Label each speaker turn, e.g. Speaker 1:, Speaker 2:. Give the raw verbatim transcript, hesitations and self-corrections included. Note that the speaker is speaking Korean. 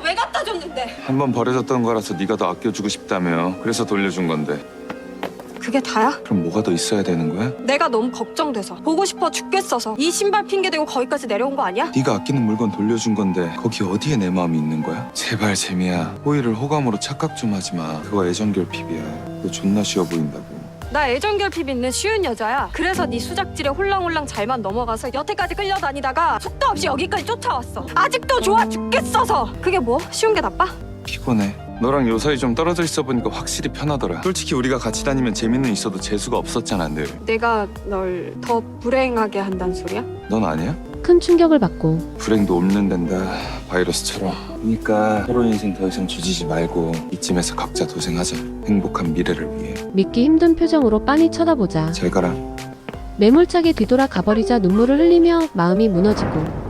Speaker 1: 왜 갖다 줬는데?
Speaker 2: 한 번 버려졌던 거라서 네가 더 아껴주고 싶다며. 그래서 돌려준 건데.
Speaker 1: 그게 다야?
Speaker 2: 그럼 뭐가 더 있어야 되는 거야?
Speaker 1: 내가 너무 걱정돼서 보고 싶어 죽겠어서 이 신발 핑계대고 거기까지 내려온 거 아니야?
Speaker 2: 네가 아끼는 물건 돌려준 건데 거기 어디에 내 마음이 있는 거야? 제발 재미야. 호의를 호감으로 착각 좀 하지 마. 그거 애정결핍이야. 너 존나 쉬워 보인다고.
Speaker 1: 나 애정결핍 있는 쉬운 여자야. 그래서 네 수작질에 홀랑홀랑 잘만 넘어가서 여태까지 끌려다니다가 속도 없이 여기까지 쫓아왔어. 아직도 좋아 죽겠어서. 그게 뭐? 쉬운 게 나빠?
Speaker 2: 피곤해. 너랑 요사이 좀 떨어져 있어 보니까 확실히 편하더라. 솔직히 우리가 같이 다니면 재미는 있어도 재수가 없었잖아 늘.
Speaker 1: 내가 널 더 불행하게 한다는 소리야?
Speaker 2: 넌 아니야?
Speaker 3: 큰 충격을 받고
Speaker 2: 불행도 옮는 된다. 바이러스처럼. 그러니까 서로 인생 더 이상 주지지 말고 이쯤에서 각자 도생하자. 행복한 미래를 위해.
Speaker 3: 믿기 힘든 표정으로 빤히 쳐다보자
Speaker 2: 잘 가라.
Speaker 3: 매몰차게 뒤돌아 가버리자 눈물을 흘리며 마음이 무너지고